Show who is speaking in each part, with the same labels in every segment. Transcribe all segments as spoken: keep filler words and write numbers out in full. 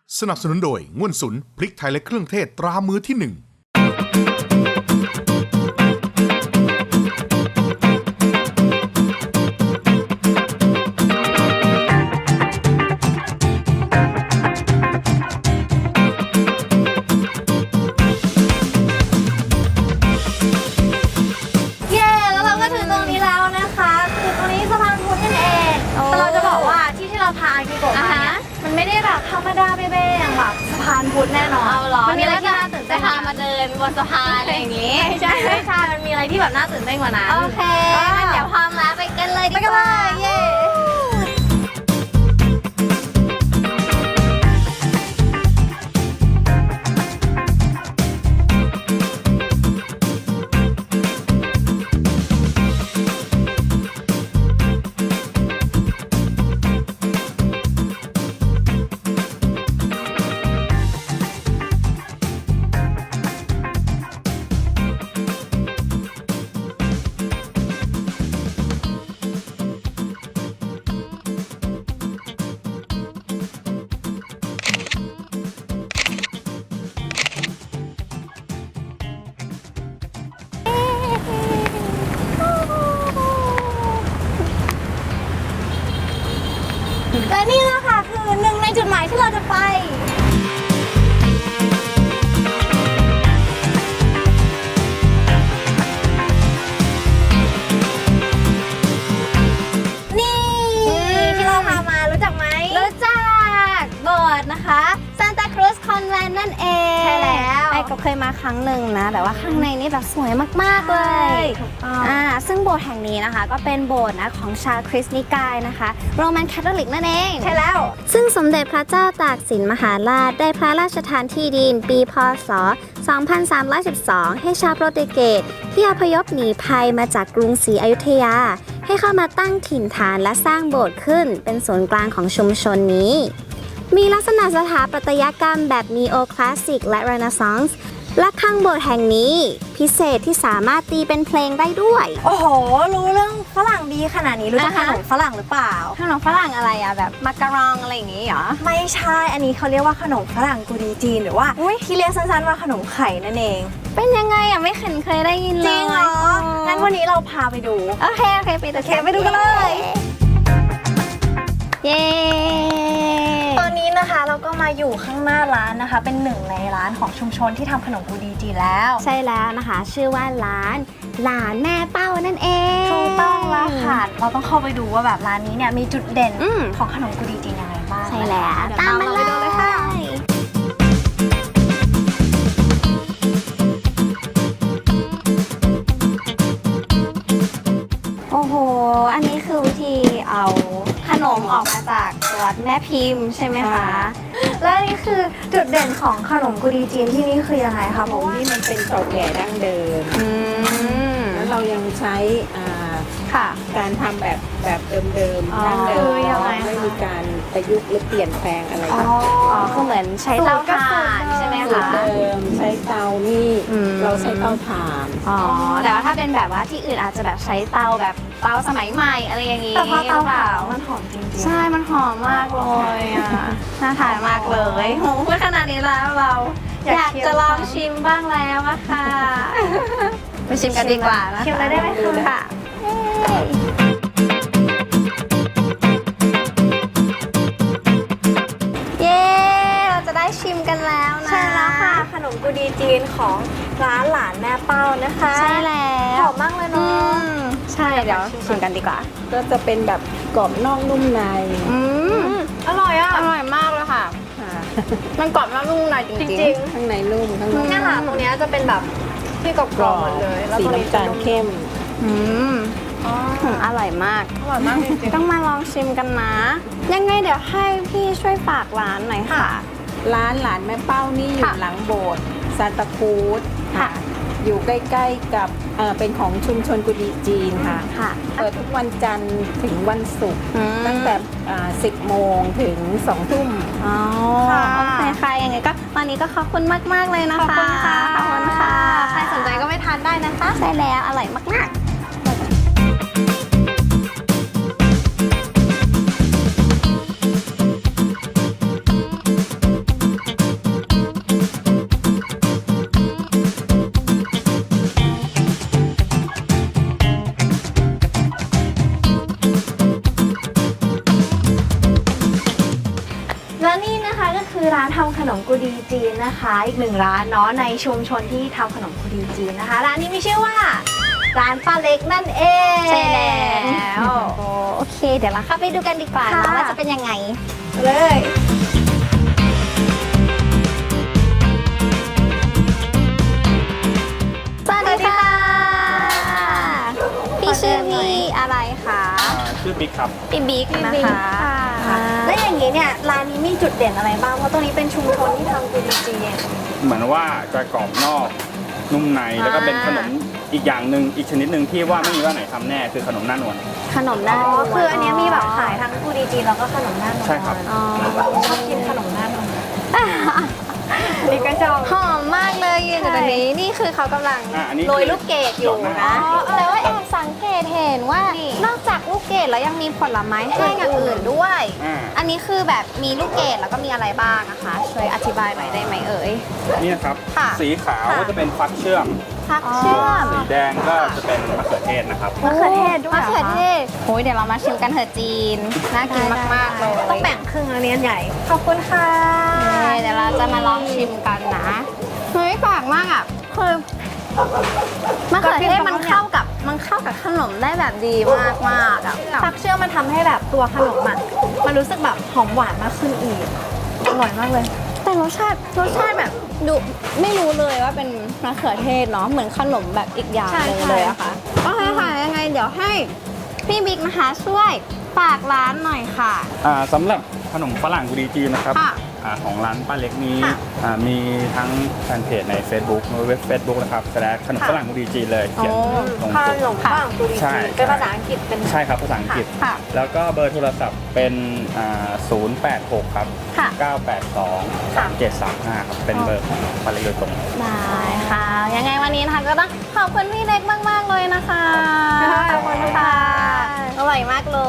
Speaker 1: สนับสนุนโดยง่วนสุนพริกไทยและเครื่องเทศตรามือที่หนึ่ง
Speaker 2: พาอากิโกะมาเนี่ยมันไม่ได้แบบธรรมดาเบ้ๆอย่างแบบสะพานพุทธแน่นอนเอาหรอมันมีอะไรที่น่าตื่นเต้นพามาเดินบนสะพานอะไรอย่างงี้ใช่ใช่ใช่มันมีอะไรที่แบบน่าตื่นเต้นกว่านั้นโอเคงั้นเดี๋ยวพร้อมแล้วไปกันเลยดีกว่าเย้และนี่แหละค่ะคือหนึ่งในจุดหมายที่เราจะไปนี่ที่เราพามารู้จักไหมรู้จักโบสถ์นะคะซานตาครูซคอนแวนต์นั่นเองใช่แล้วไอ้ก็เคยมาครั้งหนึ่งนะแต่ว่าข้างในนี่แบบสวยมากๆเลยอ่าซึ่งโบสถ์แห่งนี้นะคะก็เป็นโบสถ์นะของชาวคริสต์นิกายนะคะโรมันคาทอลิกนั่นเองใช่แล้วซึ่งสมเด็จพระเจ้าตากสินมหาราชได้พระราชทานที่ดินปีพ.ศ. สองพันสามร้อยสิบสอง ให้ชาวโปรตุเกสที่อพยพหนีภัยมาจากกรุงศรีอยุธยาให้เข้ามาตั้งถิ่นฐานและสร้างโบสถ์ขึ้นเป็นศูนย์กลางของชุมชนนี้มีลักษณะสถาปัตยกรรมแบบนีโอคลาสสิกและเรเนซองส์และข้างโบสถ์แห่งนี้พิเศษที่สามารถตีเป็นเพลงได้ด้วยโอ้โหรู้เรื่องฝรั่งดีขนาดนี้รู้จักขนมฝรั่งหรือเปล่าขนมฝรั่งอะไรอะแบบมักกะรองอะไรอย่างงี้เหรอไม่ใช่อันนี้เขาเรียกว่าขนมฝรั่งกูดีจีนหรือว่าที่เรียกสั้นๆว่าขนมไข่นั่นเองเป็นยังไงอะไม่เคยเคยได้ยินเลยจริงเหรองั้นวันนี้เราพาไปดูโอเคโอเคไปโอเคไปดูกันเลยเย้ตอนนี้นะคะเราก็มาอยู่ข้างหน้าร้านนะคะเป็นหนึ่งในร้านของชุมชนที่ทำขนมกูดีจีนแล้วใช่แล้วนะคะชื่อว่าร้านหลานแม่เป้านั่นเองถูกต้องแล้วค่ะเราต้องเข้าไปดูว่าแบบร้านนี้เนี่ยมีจุดเด่นของขนมกูดีจีนยังไงบ้างใช่แล้วตามมาเลยค่ะโอ้โหอันนี้คือวิธีเอาขนมออกมาจากตัวแม่พิมพ์ใช่ไหมคะและนี่คือจุดเด่นของขนมกุดีจีนที่นี่คือยังไงคะผม
Speaker 3: ที่มันเป็นเก่าแก่ดั้งเดิมแล้วเรายังใช้การทำแบบแบบเดิมๆดั้งเดิมไม่มีการประยุกต์หรือเปลี่ยนแปลงอะไรอ๋
Speaker 2: อคือเหมือนใช้เตาถ่านใช่ไหมคะ
Speaker 3: เดิมใช้เตานี่เราใช้เตาถ่าน
Speaker 2: อ๋อแต่ว่าถ้าเป็นแบบว่าที่อื่นอาจจะแบบใช้เตาแบบเตาสมัยใหม่อะไรอย่างนี้แต่พอเตาเปล่ามันหอมจริงๆใช่มันหอมมากเลยอ่ะน่าทานมากเลยโหพูดขนาดนี้แล้วเราอยากจะลองชิมบ้างแล้วอะค่ะไปชิมกันดีกว่านะคะชิมเลยได้ไหมคะเย้เราจะได้ชิมกันแล้วนะใช่แล้วค่ะขนมกูดีจีนของร้านหลานแม่เป้านะคะใช่แล้วหอมมากเลยเนาะใช่เดี๋ยวชิมกันดีกว่า
Speaker 3: ก็จะเป็นแบบกรอบนอกนุ่มใน
Speaker 2: อืมอร่อยอ่ะอร่อยมากเลยค่ะมันกรอบนอกนุ่มในจริงๆ
Speaker 3: ข้างในนุ่มข้างนอก
Speaker 2: เนี่ยค่ะตรงนี้จะเป็นแบบที่กรอบๆหมดเลย
Speaker 3: สีน้ำตาลเข้ม
Speaker 2: อืมอร่อยมากอร่อยมากจริงๆต้องมาลองชิมกันนะยังไงเดี๋ยวให้พี่ช่วยฝากร้านหน่อยค่ะ
Speaker 3: ร้านหลานแม่เป้านี่อยู่หลังโบสถ์ซานตาครูซค่ะอยู่ใกล้ๆกับเอ่อเป็นของชุมชนกุดีจีนค่ะค่ะเปิดทุกวันจันทร์ถึงวันศุกร์ตั้งแต่สิบโมงถึงสองทุ่ม
Speaker 2: อ๋อค่ะโอเคค่ะยังไงก็วันนี้ก็ขอบคุณมากๆเลยนะคะขอบคุณค่ะขอบคุณค่ะใครสนใจก็ไปทานได้นะคะใช่แล้วอร่อยมากๆและนี่นะคะก็คือร้านทำขนมกุดีจีนนะคะ อีกหนึ่งร้านเนาะในชุมชนที่ทำขนมกุดีจีนนะคะ ร้านนี้มีชื่อว่าร้านป้าเล็กนั่นเอง
Speaker 4: ใช่แล้วโอเค เดี๋ยวเราเข้าไปดูกันดีกว่า
Speaker 2: ค่ะ
Speaker 4: นะว่าจะเป็นยังไง
Speaker 2: เลย
Speaker 4: สวัสดีค่ะ พี่ชื่อพี่อะไรคะ
Speaker 5: อ่าชื่อบิ๊กครับ
Speaker 4: พี่บิ๊กนะคะ
Speaker 2: แล้วอย่างนี้เนี่ยร้านนี้มีจุดเด่นอะไรบ้างเพราะตรงนี้เป็นชุมชนที่ทำกุดีจีน
Speaker 5: เหมือนว่าจะกรอบนอกนุ่มในแล้วก็เป็นขนมอีกอย่างหนึ่งอีกชนิดหนึ่งที่ว่าไม่มีว่าไหนทำแน่คือขนมหน้านวล
Speaker 4: ขนมหน้า
Speaker 2: อ๋อ
Speaker 4: นวล
Speaker 2: คืออันเนี้ยมีแบบขายทั้งกุดีจีนแล้วก็ขนมหน้านวล
Speaker 5: ใช่ครับ
Speaker 4: อ๋อ
Speaker 2: ชอบกินขนมหน้านวลนี่ก็ชอบ
Speaker 4: หอมมากเลยยืนอยู่ตรงนี้นี่คือเขากำลัง
Speaker 5: อ่ะอันนี้
Speaker 4: โรยลูกเกดอยู่นะ
Speaker 5: อ๋อ
Speaker 4: แต่ว่าแอบสังเกตเห็นว่า
Speaker 2: นี่
Speaker 4: นอกจากลูกเกดแล้วยังมีผลไม้แห้งอย่างอื่นด้วย
Speaker 5: อ่า
Speaker 4: อันนี้คือแบบมีลูกเกดแล้วก็มีอะไรบ้างนะคะช่วยอธิบายหน่อยได้ไหมเอ่ย
Speaker 5: นี่นะครับ
Speaker 4: ค่ะ
Speaker 5: สีขาว
Speaker 4: ค่ะ
Speaker 5: ก็จะเป็นฟักเชื่อม
Speaker 4: พักเชื่อม
Speaker 5: สีแดงก็จะเป็นมะเขือเทศนะครับ
Speaker 2: มะเขือเทศด้วย
Speaker 4: มะ
Speaker 2: หร
Speaker 4: เขือเท
Speaker 2: คะ
Speaker 4: ศโอ้ยเดี๋ยวเรามาชิมกันเถอะจีน น่ากินมากๆเลย
Speaker 2: ต้องแบ่งครึ่งอันนี้อันใหญ่ ขอบคุณค่ะ
Speaker 4: เดี๋ยวเราจะมาลองชิมกันนะ เฮ้ยแปลกมากอ่ะ คือมะเขือเทศมันเข้ากับมันเข้ากับขนมได้แบบดีมากมากๆอ่ะ
Speaker 2: ฟักเชื่อมมันทำให้แบบตัวขนมอ่ะมันรู้สึกแบบหอมหวานมากขึ้นอีก อร่อยมากเลย
Speaker 4: แต่รสชาติรสชาติแบบดูไม่รู้เลยว่าเป็นมะเขือเทศเนาะเหมือนขนมแบบอีกอย่างหนึงเลยอะค่ะโอเคค่ะยังไงเดี๋ยวให้พี่บิ๊กนะคะช่วยฝากร้านหน่อยค่ะ
Speaker 5: อ่าสำหรับขนมฝรั่งกุดีจีนนะครับ
Speaker 4: ค่ะ
Speaker 5: อ่าของร้านป้าเล็กนี้
Speaker 4: ค่ะ
Speaker 5: อ่ามีทั้งแฟนเพจใน Facebook เว็บ Facebook นะครับแสดงขนมฝรั่งกุดีจีนเลยเขียนลง
Speaker 2: ข
Speaker 5: ตัว
Speaker 2: นมปังกุดี
Speaker 5: ใช่
Speaker 2: จีนเป็นภาษาอังกฤษเป็น
Speaker 5: ใช่ครับภาษาอังกฤษ
Speaker 4: ค่ะ
Speaker 5: แล้วก็เบอร์โทรศัพท์เป็นอ่าศูนย์แปดหกครับ
Speaker 4: ค่ะ
Speaker 5: เก้าแปดสองสามเจ็ดสามห้าครับเป็นเบอร์ของป้าเล็กโดยตรง
Speaker 4: ได้ค่ะ ยังไงวันนี้นะคะก็ต้องขอบคุณพี่เล็กมาก ๆ เลยนะคะ
Speaker 2: ขอบคุณค่ะ
Speaker 4: อร่อยมากเลย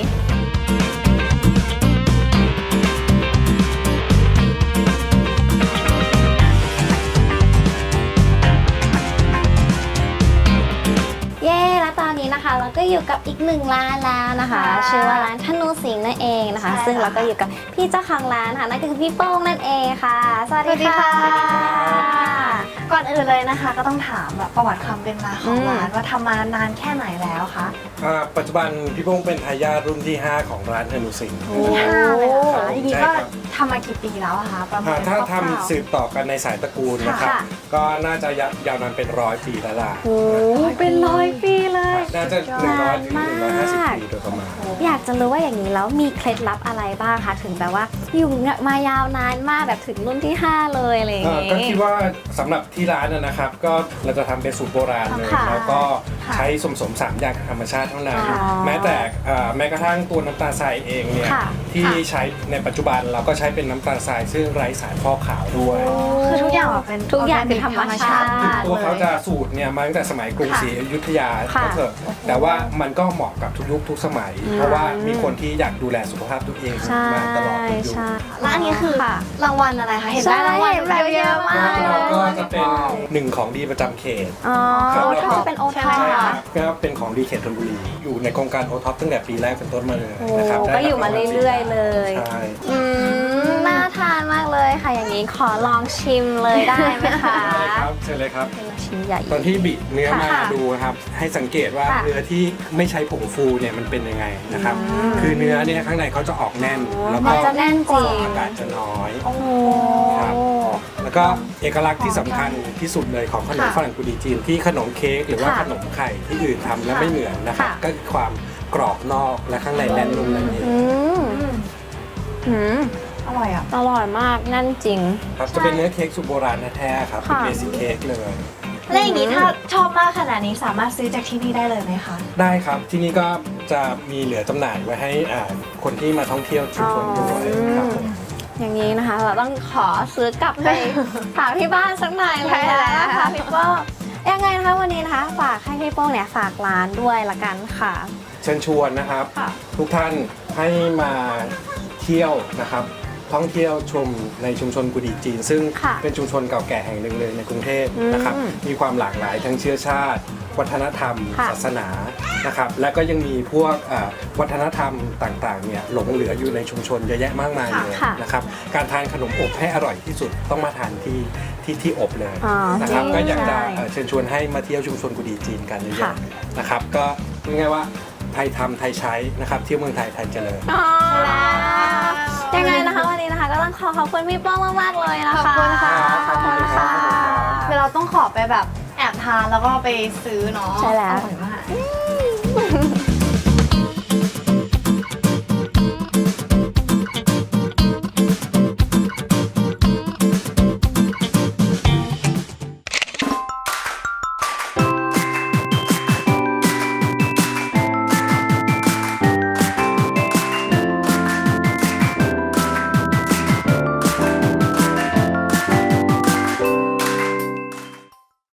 Speaker 4: เย้แล้วตอนนี้นะคะ เราก็อยู่กับอีกหนึ่งร้านแล้วนะคะ
Speaker 2: ค่ะ
Speaker 4: ชื่อว่าร้านธนูสิงห์นั่นเองนะคะ
Speaker 2: ใช่
Speaker 4: ซึ่งเราก็
Speaker 2: ค่ะ
Speaker 4: อยู่กับพี่เจ้าของร้านค่ะนั่นก็คือพี่โป้งนั่นเองค่ะ สวัสดีค่ะ
Speaker 2: ก่อนอื่นเลยนะคะ ก็ต้องถามแบบประวัติความเป็นมาของ
Speaker 4: อืม
Speaker 2: ร้านว่าทำมานานแค่ไหนแล้วคะ
Speaker 6: อ่าปัจจุบันพี่โป้งเป็นทายาทรุ่นที่ ห้า ของร้านธนูสิงห์
Speaker 2: ที่ห้าเลยเหรอ
Speaker 6: ครั
Speaker 2: คะ
Speaker 6: บ
Speaker 2: ทีนี้
Speaker 6: ใช่
Speaker 2: ก็
Speaker 6: ครับ
Speaker 2: ทำมากี่ปีแล้วอะคะประมา
Speaker 6: อ่า
Speaker 2: ณ
Speaker 6: ถ้า
Speaker 2: คร่วๆ
Speaker 6: ทำสืบต่อกันในสายตระกูลนะครับ
Speaker 2: ค่ะ
Speaker 6: ก็น่าจะยาวนานเป็นร้อยปีแล้วล่ะ
Speaker 4: โอ้
Speaker 2: เป็นร้อยปีเลย
Speaker 6: น่าจะหนึ่งร้อยถึงหนึ่งร้อยห้าสิบปีโดยประมาณ
Speaker 4: อยากจะรู้ว่าอย่างนี้แล้วมีเคล็ดลับอะไรบ้างคะถึงแบบว่าอยู่มายาวนานมากแบบถึงรุ่นที่ห้าเลยอะไรอย่าง
Speaker 6: อ่า
Speaker 4: งี้
Speaker 6: ก็คิดว่าสำหรับที่ร้านนะนะครับ ก็เราจะทำเป็นสูตรโบราณเลย
Speaker 4: ค่ะ
Speaker 6: แล้วก็
Speaker 2: ค่ะ
Speaker 6: ใช้สมสมสามอย่างธรรมชาติเท่านั้น
Speaker 4: อ๋อ
Speaker 6: แม้แต่อ่าแม้กระทั่งตัวน้ำตาลทรายเองเนี่ย
Speaker 4: ค่ะ
Speaker 6: ที่
Speaker 4: ค่ะ
Speaker 6: ใช้ในปัจจุบันเราก็ใช้เป็นน้ำตาลทรายซึ่งไร้สารฟอกขาวด้วย
Speaker 2: คือทุกอย่างแบบเป็น
Speaker 4: ทุกอย่างเป็นธรรมชาติ
Speaker 6: ตัวเขาจะสูตรเนี่ยมาตั้งแต่สมัยกรุงศรีอยุธยา
Speaker 4: ค่ะ
Speaker 6: ก็เถอะแต่ว่ามันก็เหมาะกับทุกยุคทุกสมัย เพราะว่ามีคนที่อยากดูแลสุขภาพตัวเอง
Speaker 4: ใช่
Speaker 6: มาตลอดทุกยุค
Speaker 4: ใช่
Speaker 2: แล้วอันนี้คือ
Speaker 4: ค่ะ
Speaker 2: รางวัลอะไรคะเห็นได้
Speaker 4: ใช่
Speaker 2: รางวัล
Speaker 4: เห็นแบบเยอะมาก
Speaker 6: แล้วก็จะเป็นหนึ่งของดีประจำเขต
Speaker 4: อ๋อ
Speaker 6: ครับ
Speaker 4: โอ
Speaker 6: แล้ว
Speaker 4: ท็
Speaker 6: ก็
Speaker 4: อปเป็นโอท็อ
Speaker 2: ใช่
Speaker 4: ป
Speaker 2: ไหม
Speaker 6: ค
Speaker 2: คะ
Speaker 6: รับก็เป็นของดีเขตธนบุรี อยู่ในโครงการโอท็อปตั้งแต่ปีแรกเป็นต้นมาเลย
Speaker 4: โอ้
Speaker 6: นะครับได้
Speaker 4: ก็อยู่มาเรื่อยๆเลย
Speaker 6: ใช่
Speaker 4: อืมน่าทานมากเลยค่ะอย่างนี้ขอลองชิมเลยได้ไหมคะ
Speaker 6: ได้ครับเชิญเลยครับ
Speaker 4: ชิ้นใหญ่
Speaker 6: ตอนที่บิเนื้อมา
Speaker 4: ค่ะ
Speaker 6: ดูครับ ให้สังเกตว่า
Speaker 4: ค่ะ
Speaker 6: เนื้อที่ไม่ใช้ผงฟูเนี่ยมันเป็นยังไงนะครับ คือเนื้อเนี่ยข้างในเขาจะออกแน่น แล้ว
Speaker 4: มั
Speaker 6: ก็
Speaker 4: นจะแน่นจริง
Speaker 6: อากาศจะน้อย
Speaker 4: โอ้
Speaker 6: ครับ แล้วก็เอกลักษณ์ที่สำคัญที่สุดเลยของขนม
Speaker 4: ค่ะ
Speaker 6: ฝรั่งกุดีจีนที่ขนมเค้กหรือว่า
Speaker 4: ค่ะ
Speaker 6: ขนมไข่ที่อื่นทำแล้วไม่เหมือนนะครับ
Speaker 4: ค่ะ
Speaker 6: ก็คือความกรอบนอกและข้างในแน่นนุ่มนั่นเอง
Speaker 4: อืมอืม
Speaker 2: อร่อยอ่ะ
Speaker 4: อร่อยมากแน่นจริง
Speaker 6: ครับจะเป็นเนื้อเค้กสูตรโบราณแท้ๆครับเป็น
Speaker 4: ค่ะ
Speaker 6: เบสิกเค้กเลย
Speaker 2: แล้วอย่างนี้ถ้าชอบมากขนาดนี้สามารถซื้อจากที่นี่ได้เลยไหมคะ
Speaker 6: ได้ครับที่นี่ก็จะมีเหลือจำหน่ายไว้ให้อ่าคนที่มาท่องเที่ยวชุมชนด้วยครับผม
Speaker 4: อย่างนี้นะคะ เราต้องขอซื้อกลับไปฝากที่บ้านสักหน่อยเลย
Speaker 2: ใช่แล้ว
Speaker 4: นะคะพี่โป้งยังไงนะคะวันนี้นะคะ ฝากให้พี่โป้งเนี่ยฝากร้านด้วยละกันค่ะ
Speaker 6: เชิญชวนนะครับ
Speaker 4: ค่ะ
Speaker 6: ทุกท่านให้มาเที่ยวนะครับ ท่องเที่ยวชมในชุมชนกุดีจีน ซึ่ง
Speaker 4: ค่ะ
Speaker 6: เป็นชุมชนเก่าแก่แห่งหนึ่งเลยในกรุงเทพนะครับ
Speaker 4: อืม
Speaker 6: มีความหลากหลายทั้งเชื้อชาติวัฒนธรรม
Speaker 4: ค่ะ
Speaker 6: ศาสนานะครับและก็ยังมีพวกอ่าวัฒนธรรมต่างๆเนี่ยหลงเหลืออยู่ในชุมชนเยอะแยะมากมายเลย
Speaker 4: ค่ะ
Speaker 6: นะครับการทานขนมอบให้อร่อยที่สุดต้องมาทานที่ที่ที่อบเลย
Speaker 4: อ๋อ
Speaker 6: นะครับ
Speaker 4: จริง
Speaker 6: ก็อยากจะ
Speaker 4: ใช่
Speaker 6: เอ่อเชิญชวนให้มาเที่ยวชุมชนกุดีจีนกันเย
Speaker 4: ค่ะ
Speaker 6: อะๆนะครับก็ง่ายๆว่าไทยทำไทยใช้นะครับเที่ยวเมืองไทยไทยเจริญ
Speaker 4: อ๋อยังไงนะคะวันนี้นะคะก็ต้องขอขอบคุณพี่ป้องมากๆเลยนะคะ
Speaker 2: ขอบคุณค่ะ
Speaker 6: ขอบคุณค่ะ
Speaker 2: เดี๋ยวเราต้องขอไปแบบแอบทานแล้วก็ไปซื้อเนาะ
Speaker 4: ใช่แล้ว
Speaker 2: อร่อยมาก